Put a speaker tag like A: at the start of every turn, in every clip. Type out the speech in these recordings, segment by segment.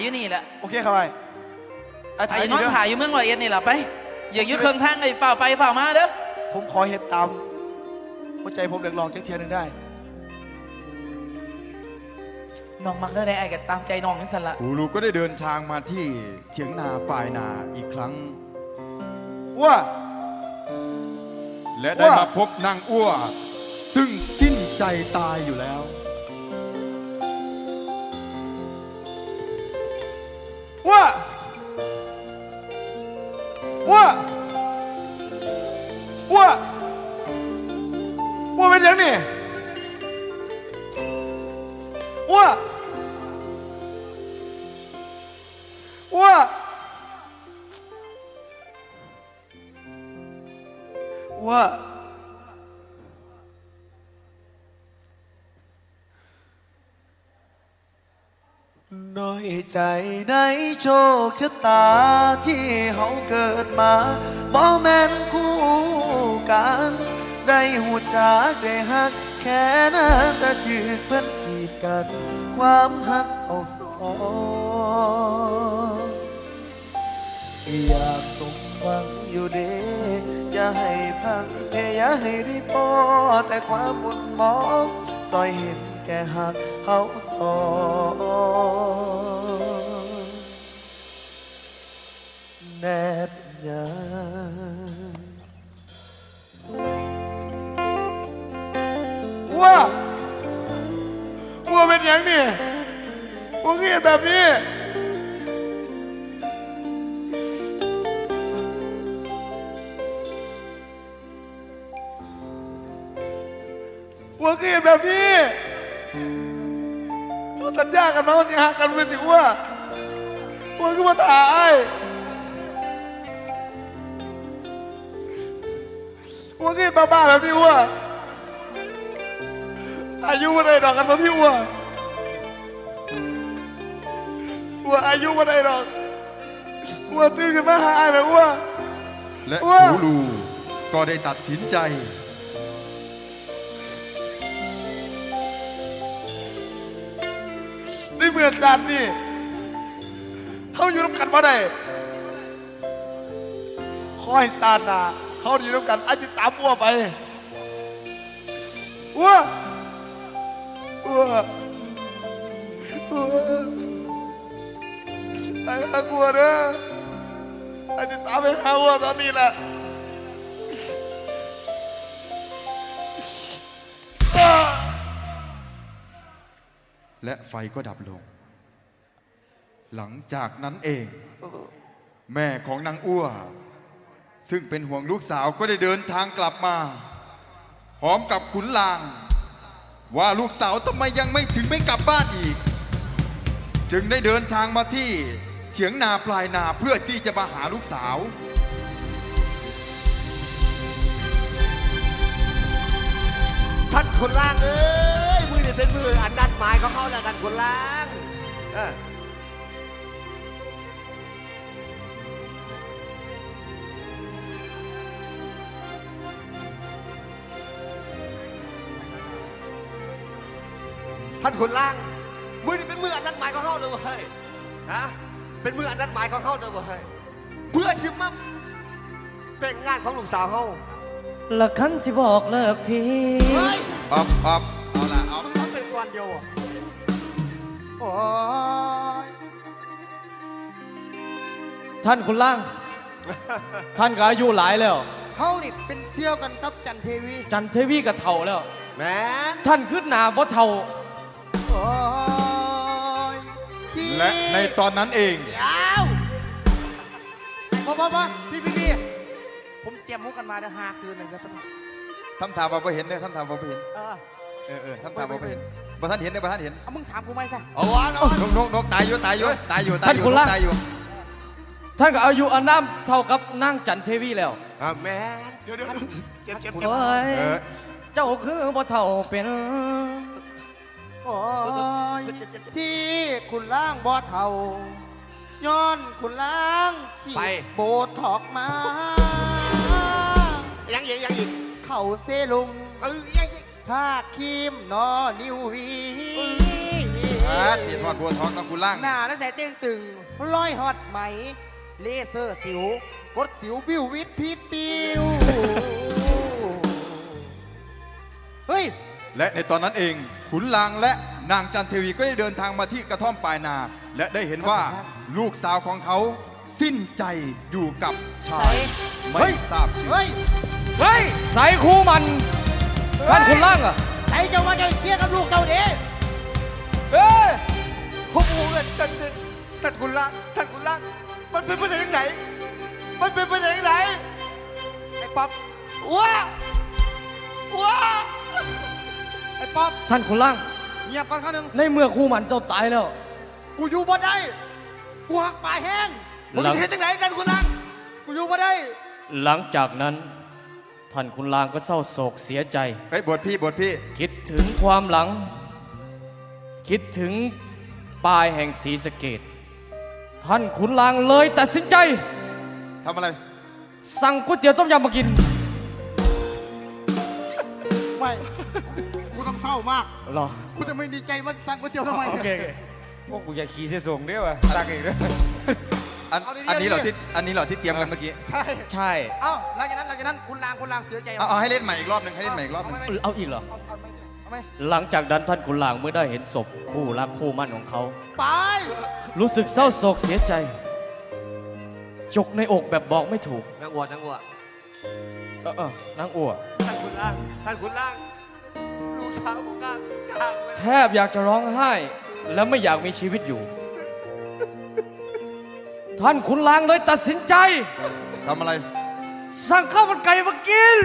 A: อยู่นี่แหละ
B: โอเคครับไอ้ถ่าย
A: ไอ้
B: นี่
A: น้อง
B: เด้อ
A: ถ่ายอยู่เมืองร้อยเอ็ดนี่แหละไปอย่างอยู่เครื่องทางไอ้ฝ่าไปฝ่ามาเด้อ
B: ผมขอเห็นตามหัวใจผมเดือดร้อนเทียนหนึ่งได้
A: น้องมักได้ไอ้กันตามใจน้องนี่สันละ
C: ครูลูกก็ได้เดินทางมาที่เถียงนาปลายนาอีกครั้ง
B: ว่า
C: และได้มาพบนางอ้วซึ่งสิ้นใจตายอยู่แล้ว
B: ว่าเป็นยังนี่ว่าน้อยใจในโชคชะตาที่เขาเกิดมาบ่แม่นคู่กันได้หูจากได้หักแค่นั้นแต่ถือเพิ่นกีดกันความหักเอาสองอยากสมหวังอยู่เด้อย่าให้พังอย่าให้ได้พอแต่ความมุนมองซอยเห็นแก่หักเขาสองแนบยาว่าเป็นอย่างนี้ว่าเงี้ยแบบนี้ว่าเงี้ยแบบนี้เราสัญญากันมาว่าจะหากันเป็นถึงว่าก็มาถ่ายว่าเงี้ยบ้าๆแบบนี้ว่าอายุวันไหนดอกกันมาพี่วัวอายุวันไหนดอกวัวตื่นขึ้นมาหาไอ้แบบวัว
C: และครูลูก็ได้ตัดสินใจ
B: ในเมื่อสัตว์นี่เขาอยู่ร่วมกันมาได้คอยซานาเขาอยู่ร่วมกันอาจจะตามวัวไปวัวไอ้ข้ากลัวเด้อไอ้จะตามไปหาวัวตอนนี้แหละ
C: และไฟก็ดับลงหลังจากนั้นเองแม่ของนางอ้วซึ่งเป็นห่วงลูกสาวก็ได้เดินทางกลับมาพร้อมกับขุนลางว่าลูกสาวทำไมยังไม่กลับบ้านอีกจึงได้เดินทางมาที่เฉียงนาปลายนาเพื่อที่จะมาหาลูกสาว
D: ท่านขุนลางเอ้ยมือเนี่ยเป็นมืออันนัดหมายของเขาแล้วกันขุนลางท่านขุนล่างมือนี่เป็นมืออันนัดหมายของเขาเลยเว้ยนะเป็นมืออันนัดหมายของเขาเลยเว้ยเพื่อชิมมั่มแต่งงานของลูกสาวเขา
E: ละคันสิบอกเลิกพี่
C: อับเอาละ
D: มึงทำเป็นวันเดียวอ่ะโอ้ย
E: ท่านคุณล่าง ท่านก็อายุหลายแล้ว
D: เขานี่เป็นเซี่ยวกันกับจันเทวี
E: กับเฒ่าแล้ว
D: แม่
E: ท่านขึ้นหนาเพราะเฒ่า
C: และในตอนนั้นเอง
D: เดี๋ยวพอพี่ผมเตรียมมุกกันมาเดี๋ยว5 คืนเลยนะ
C: ท่านถามว่าเห็นเนี่ยท่านถามว่าเห็นท่านถามว่าเห็นบ่ท่านเห็นเนี่ยบ่ท่านเห็น
D: มึงถามกูไหมใช่
C: เอาวะนกตายอยู่
E: ท่านคุณล่างท่านก็อายุอานามเท่ากับนางจันเทวีแล้ว
D: แม่
B: เดี๋ยวเก็บ
E: เจ้าคือบ่เฒ่าเป็น
D: โอ้ยที่คุณล่างบ่เฒ่าย้อนคุณล่างขี่โบถอกมายังอีกเข่าเซลุงยังถ้าคีมนอนิววี
C: เสียทอดบัวทองต้องคุณล่าง
F: หน้าและแสเตียงตึงร้อยฮอตไหม เลเซอร์สิว กดสิววิววิทพีดปิวเฮ้ย
C: และในตอนนั้นเองขุนลางและนางจันเทวีก็ได้เดินทางมาที่กระท่อมปลายนา และได้เห็นว่าลูกสาวของเขาสิ้นใจอยู่กับชายไม่ทราบชื่อ
F: เฮ้ย
E: เฮ้ยใส่คู่มันท่านคุณล่างอ่ะ
F: ใส่เจ้าว่าจะเคลียร์กับลูกเจ้าเด้
E: เอ้ย
D: ผมโอ้ยท่านคุณล่างท่านคุณล่างมันเป็นไปได้ยังไงมันเป็นไปได้ยังไง
F: ไอ้ป๊อป
D: ว้าว้า
F: ไอ้ป๊อป
E: ท่านคุณล่าง
F: เงียบก่อนข้างหนึ่ง
E: ในเมื่อคู่มันเจ้าตายแล้ว
F: กูอยู่บ่ได้กูหักปลายแห้ง
D: มึงจะเห็นยังไงท่านคุณล่าง
F: กูอยู่บ่ได้
E: หลังจากนั้น ท่านคุณลางก็เศร้าโศกเสียใจ
C: เฮ้ยบทพี่
E: คิดถึงความหลัง คิดถึงปลายแห่งศรีสะเกดท่านขุนลางเลยตัดสินใจ
C: ทำอะไร
E: สั่งก๋วยเตี๋ยวต้มยำมากิน
F: ไม่ กูต้องเศร้ามาก
E: หรอ
F: กูจะไม่ดีใจว่าสั่งก๋วยเตี๋ยวทำไม
E: โอเคพวกกูอยากขี่เสส่งเด้อวะตักอีกแล้ว
C: อันนี้เหรอที่เตรียมกันเมื่อกี้
F: ใช่
E: ใช่
F: เอ้าหลังจากนั้นคุณลางเสียใจ
C: เอาให้เล่นใหม่อีกรอบหนึ่งให้เล่นใหม่อีกรอบหนึ่ง
E: เอาอีกเหรอ
F: เอาไหม
E: หลังจากนั้นท่านขุนลางเมื่อได้เห็นศพคู่รักคู่มั่นของเขา
F: ไป
E: รู้สึกเศร้าโศกเสียใจ จกในอกแบบบอกไม่ถูก
D: นางวัวนางวัว
E: นางอ้ว
D: ท่านคุณล่างท่านคุณล่างลูกสาวผมก็กลางไป
E: แทบอยากจะร้องไห้ และไม่อยากมีชีวิตอยู่ ท่านขุนลางเลยตัดสินใจ
C: ทำอะไร
E: สั่งข้าวมันไก่มากิน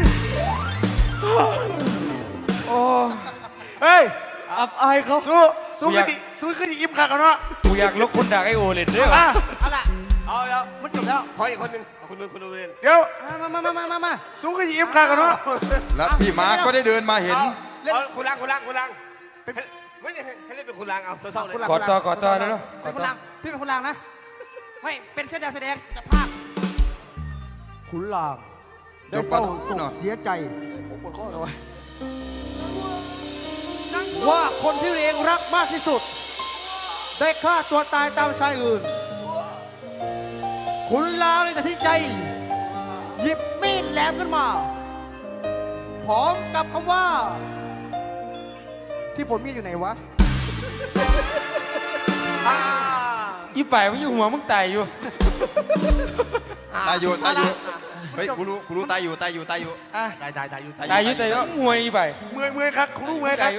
E: โอ้
F: เฮ้ย
E: อับอายเขา
F: สู้กันดิอิ่มขากันเนาะ
E: กูอยากลกคนด่าไอโอเลยด้วย
F: เอาล่ะ
D: เอาแล้ว
F: มันจบแล้ว
D: ขออีกคนหนึ่งเอาคุณนุ่นเรียน
F: เดี๋ยวมาสู้กันอิ่มขากันเนาะ
C: และพี่ม้าก็ได้เดินมาเห็น
D: เอาคุณล่างไม่ได้ให้เล่นเป็นคุณล่างเอาเศร้าๆเลย
E: กอดต่อได้แล้ว
F: เป็นคุณลางพี่เป็นคุณลางนะไม่เป็นแค่ดาวแสดงจะภาคขุนลางได้เศร้าโศกเสียใจว่าคนที่ตัวเองรักมากที่สุด ได้ฆ่าตัวตายตามชายอื่น ขุนลางเลยตัดสินใจ หยิบมีดแหลมขึ้นมา พร้อมกับคำว่า ที่ฝนมีดอยู่ไหนวะ
E: อีป่ายมันอยู่หัวมึงตายอยู่
C: ตายอยู่เฮ้ยกูรู้ตายอยู่
D: ตายอยู่
E: ตายอยู่มวยอีป่าย
F: เมื่อยครับคุณลุงเมื่อยค
E: ตา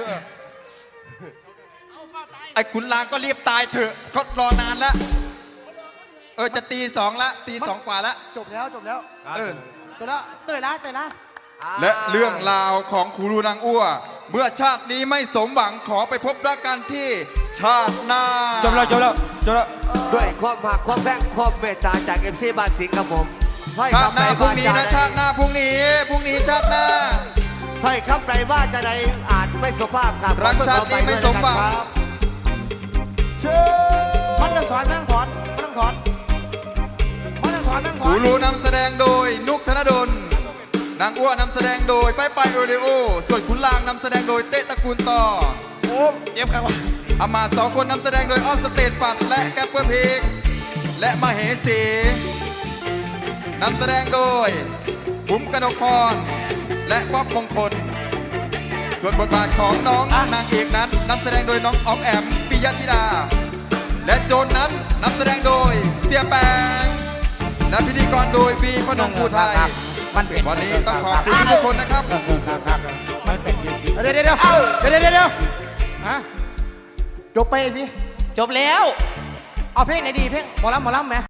F: รั
E: ย
F: บ
E: อยู่
C: ไอ้ขุนลางก็รีบตายเถอะเขารอนานแล้วจะตี 2ละตี 2 กว่าละ
F: จบแล้ว
C: เออ
F: เตยละเตยละ
C: และเรื่องราวของครูรูนางอ้วเมื่อชาตินี้ไม่สมหวังขอไปพบรักกันที่ชาติหน้า
E: จบแล้ว
D: ด้วยความหักความแพงความเมตตาจากเอฟซีบ้านสิงห์ครับผม
C: ชาติหน้าพรุ่งนี้นะชาติหน้าพรุ่งนี้ชาติหน้า
D: ถ้อยคำใดว่าจะใดอาจไม่สุภาพครับ
C: รักชาตินี้ไม่สมหวัง
D: เชิญ
F: มันต้องถอน
C: ครูรูนำแสดงโดยนุกธนดลนางอ้วนำแสดงโดยไปโอเลโอส่วนขุนลางนำแสดงโดยเตะตระกูลต่อ
F: โอ้เจ็บครับ
C: อามา2 คนนำแสดงโดยออฟสเตทปัดและแกปเปอร์เพกและมเหสีนำแสดงโดยบุ๋มกนกพรและป๊อบมงคล ส่วนบทบาทของน้องนางเอกนั้นนำแสดงโดยน้องออมแอมปิยธิดา และโจนนั้นนำแสดงโดยเสียแปงและพิธีกรโดยวีพนมภูไทยวันนี้ต้องขอบคุณทุกคนนะครับ
F: เดี๋ยวฮะจบไปสิ
A: จบแล้ว
F: เอาเพลงไหนดีเพลงหมอลำไหม